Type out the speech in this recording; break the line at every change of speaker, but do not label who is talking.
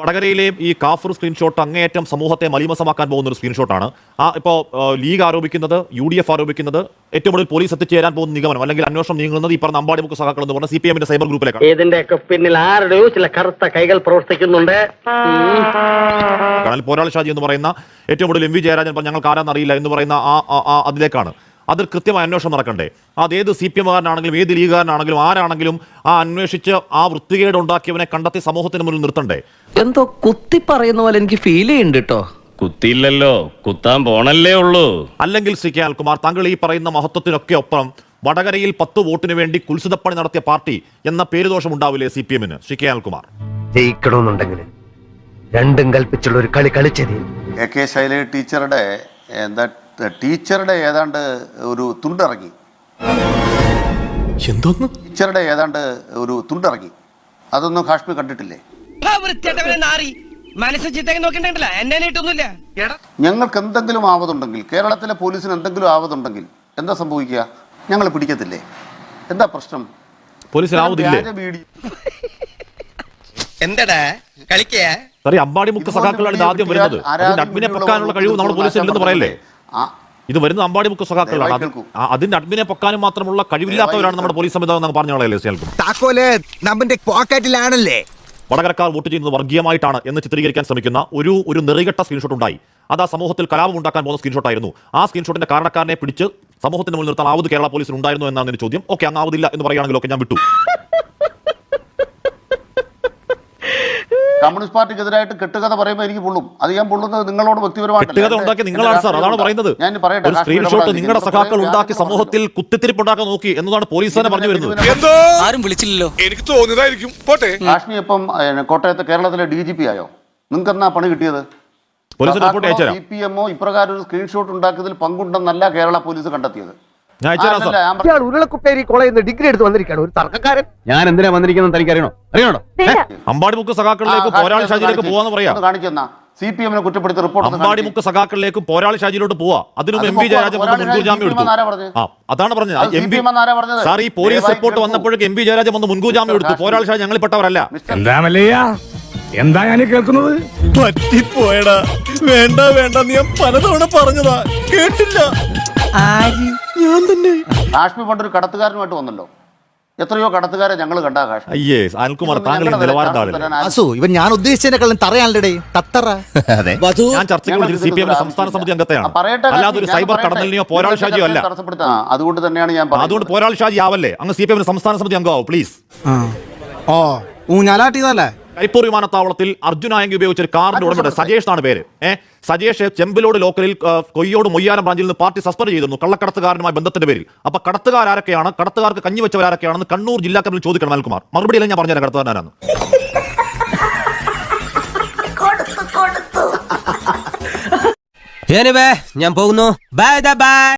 വടകരയിലെ ഈ കാഫർ സ്ക്രീൻഷോട്ട് അങ്ങേയറ്റം സമൂഹത്തെ മലീമസമാക്കാൻ പോകുന്ന ഒരു സ്ക്രീൻഷോട്ടാണ്. ഇപ്പോൾ ലീഗ് ആരോപിക്കുന്നത്, UDF ആരോപിക്കുന്നത്, ഏറ്റവും കൂടുതൽ പോലീസ് എത്തിച്ചേരാൻ പോകുന്ന നിഗമനം അല്ലെങ്കിൽ അന്വേഷണം നീങ്ങുന്നത് ഈ പറഞ്ഞ അമ്പാടിമുക്ക് സഖാക്കൾ എന്ന് പറഞ്ഞ CPM-ന്റെ സൈബർ ഗ്രൂപ്പിലേക്കാണ്.
ഇതിന്റെയൊക്കെ പിന്നിൽ ആരുടെയോ ചില കറുത്ത കൈകൾ പ്രവർത്തിക്കുന്നുണ്ട്.
കാരണം പോരാളി ഷാജി എന്ന് പറയുന്ന ഏറ്റവും കൂടുതൽ MV ജയരാജൻ ഞങ്ങൾക്ക് ആരാന്നറിയില്ല എന്ന് പറയുന്ന അതിലേക്കാണ്. അതിൽ കൃത്യമായ അന്വേഷണം നടക്കണ്ടേ? അതേത് CPM-കാരനാണെങ്കിലും ഏത് ലീഗുകാരനാണെങ്കിലും ആരാണെങ്കിലും അന്വേഷിച്ച് വൃത്തികേട് ഉണ്ടാക്കിയവനെ കണ്ടെത്തി സമൂഹത്തിന് മുന്നിൽ നിർത്തണ്ടേ?
എന്തോ കുത്തി പറയുന്ന പോലെ എനിക്ക് ഫീൽ ചെയ്യുന്നുണ്ട് കേട്ടോ.
കുത്തിയില്ലല്ലോ, കുത്താൻ പോണല്ലേ ഉള്ളൂ.
അല്ലെങ്കിൽ ശ്രീ കെ അനിൽകുമാർ, താങ്കൾ ഈ പറയുന്ന മഹത്വത്തിനൊക്കെ ഒപ്പം വടകരയിൽ 10 വോട്ടിന് വേണ്ടി കുൽസിതപ്പണി നടത്തിയ പാർട്ടി എന്ന പേരുദോഷം ഉണ്ടാവില്ലേ CPM-ന്? ശ്രീ കെ അനിൽകുമാർ,
ജയിക്കണമെന്നുണ്ടെങ്കിൽ രണ്ടും കൽപ്പിച്ചുള്ള ഒരു കളി കളിച്ചത്
AK ശൈലജ ടീച്ചറുടെ ഏതാണ്ട് ഒരു തുണ്ടിറങ്ങി. ടീച്ചറുടെ ഏതാണ്ട് ഒരു തുണ്ടിറങ്ങി. അതൊന്നും കാശ്മീർ കണ്ടിട്ടില്ലേ? ഞങ്ങൾക്ക് എന്തെങ്കിലും ആവതുണ്ടെങ്കിൽ, കേരളത്തിലെ പോലീസിന് എന്തെങ്കിലും ആവതുണ്ടെങ്കിൽ എന്താ സംഭവിക്കുക? ഞങ്ങൾ പിടിക്കത്തില്ലേ? എന്താ പ്രശ്നം?
എന്താടാ കളിക്കേ?
അമ്പാടിമുക്ക് സഖാക്കളാണ് ഇത് ആദ്യം വരുന്നത്. അഡ്മിനെ പൊക്കാനുള്ള കഴിവ് നമ്മുടെ പോലീസിൽ ഇല്ലെന്ന് പറയല്ലേ? ഇത് വരുന്ന അമ്പാടിമുക്ക് സഖാക്കളാണ്. അതിന്റെ അഡ്മിനെ പൊക്കാനും മാത്രമുള്ള കഴിവില്ലാത്തവരാണ് നമ്മുടെ പോലീസ് സംവിധാനം പറഞ്ഞോളല്ലേ. വടകരക്കാർ വോട്ട് ചെയ്യുന്നത് വർഗീയമായിട്ടാണ് എന്ന് ചിത്രീകരിക്കാൻ ശ്രമിക്കുന്ന ഒരു നെറികെട്ട സ്ക്രീൻഷോട്ട് ഉണ്ടായി. അത് ആ സമൂഹത്തിൽ കലാപം ഉണ്ടാക്കാൻ പോകുന്ന സ്ക്രീൻഷോട്ടായിരുന്നു. ആ സ്ക്രീൻഷോട്ടിന്റെ കാരണക്കാരനെ പിടിച്ച് സമൂഹത്തിന് മുന്നിൽ നിർത്താൻ ആവത് കേരള പോലീസിന് ഉണ്ടായിരുന്നു എന്നാണ് എന്റെ ചോദ്യം. ഓക്കെ, അങ്ങ് ആവതില്ല എന്ന് പറയുകയാണെങ്കിലൊക്കെ ഞാൻ വിട്ടു.
കമ്മ്യൂണിസ്റ്റ് പാർട്ടിക്കെതിരായിട്ട് കെട്ടുകഥ പറയുമ്പോൾ എനിക്ക് പൊള്ളും. അത് ഞാൻ പൊള്ളുന്നത് നിങ്ങളോട് വ്യക്തിപരമായിട്ട്.
നിങ്ങളാണ് സാർ, അതാണ് പറയുന്നത്.
ഞാൻ പറയട്ടെ,
സ്ക്രീൻഷോട്ട് നിങ്ങളുടെ സഖാക്കൾ ഉണ്ടാക്കി സമൂഹത്തിൽ കുത്തിത്തിരിപ്പുണ്ടാക്കാൻ നോക്കി എന്നതാണ് പോലീസ് തന്നെ പറഞ്ഞു വരുന്നത്.
ആരും വിളിച്ചില്ലല്ലോ,
എനിക്ക് തോന്നിയതായിരിക്കും. പോട്ടെ.
കാശ്മീർ ഇപ്പം കോട്ടയത്ത് കേരളത്തിലെ DGP ആയോ? നിങ്ങൾക്ക് എന്നാ പണി കിട്ടിയത്? CPM-ഓ ഇപ്രകാരം ഒരു സ്ക്രീൻഷോട്ട് ഉണ്ടാക്കിയതിൽ പങ്കുണ്ടെന്നല്ല കേരള പോലീസ് കണ്ടെത്തിയത്.
ഉരുളക്കുപ്പേരി കോളേജിൽ നിന്ന് ഡിഗ്രി എടുത്ത് വന്നിരിക്കുകയാണ് ഒരു തർക്കക്കാരൻ.
ഞാൻ എന്തിനാ വന്നിരിക്കുന്നത് തനിക്ക് അറിയണോ?
അമ്പാടിമുക്ക് സഖാക്കളിലേക്ക് പോരാളി ഷാജിയിലേക്ക് പോവാന്ന് പറയാം.
കാണിക്കുന്ന CPM-നെ കുറ്റപ്പെടുത്തി റിപ്പോർട്ട്
അമ്പാടിമുക്ക് സഖാക്കളിലേക്ക് പോരാളി ഷാജിയിലോട്ട് പോവാ. അതിനും MV ജയരാജൻ മുൻകൂർ ജാമ്യം എടുത്തു. അതാണ് പറഞ്ഞത്. സാർ, ഈ പോലീസ് റിപ്പോർട്ട് വന്നപ്പോഴേക്ക് MV ജയരാജൻ വന്ന് മുൻകൂർ ജാമ്യം എടുത്തു. പോരാളി ഷാജി ഞങ്ങളിൽപ്പെട്ടവരല്ല.
എന്താ ഞാൻ കേൾക്കുന്നത്? പറ്റിപ്പോയടാ. വേണ്ട ഞാൻ പലതവണ പറഞ്ഞതാ, കേട്ടില്ല. ഞാൻ തന്നെ.
കാശ്മീർ പണ്ടൊരു കടത്തുകാരനുമായിട്ട് വന്നല്ലോ. എത്രയോ കടത്തുകാരെ ഞങ്ങൾ കണ്ടാ കാശ്മീർ.
അയ്യേ അനിൽകുമാർ, താങ്കളുടെ നിലവാരം
ഇവൻ ഞാൻ ഉദ്ദേശിച്ചതിനെക്കാളും തറയാണല്ലേ തത്തറ.
ഞാൻ ചർച്ചയ്ക്ക് വിളിച്ചത് CPM-ന്റെ സംസ്ഥാന സമിതി അംഗത്തെയാണ്, അല്ലാതെ ഒരു സൈബർ കടന്നലിനെയോ പോരാളി ഷാജിയോ അല്ല.
അതുകൊണ്ട് തന്നെയാണ് ഞാൻ
അതുകൊണ്ട് പോരാളി ഷാജി ആവല്ലേ, അങ്ങ് CPM-ന്റെ സംസ്ഥാന സമിതി അംഗമാവും പ്ലീസ്.
ഊഞ്ഞാലാട്ടിയതല്ലേ?
കരിപ്പൂർ വിമാനത്താവളത്തിൽ അർജുനായങ്കി ഉപയോഗിച്ച ഒരു കാറിന്റെ ഉടമയുടെ സജേഷ് ആണ് പേര്. സജേഷ് ചെമ്പിലോട് ലോക്കലിൽ കൊയ്യോട് മൊയ്യാരം ബ്രാഞ്ചിൽ നിന്ന് പാർട്ടി സസ്പെൻഡ് ചെയ്തിരുന്നു കള്ളക്കടത്തുകാരനുമായി ബന്ധത്തിന്റെ പേരിൽ. അപ്പൊ കടത്തുകാരൊക്കെയാണ്, കടത്തുകാർക്ക് കഞ്ഞി വെച്ചവരാരൊക്കെയാണെന്ന് കണ്ണൂർ ജില്ലാ കമ്മിറ്റി ചോദിക്കണം അനിൽകുമാർ. മറുപടി അല്ല ഞാൻ പറഞ്ഞുതരാം കടത്തുകാരനാണ്.
ഞാൻ പോകുന്നു. ബൈ.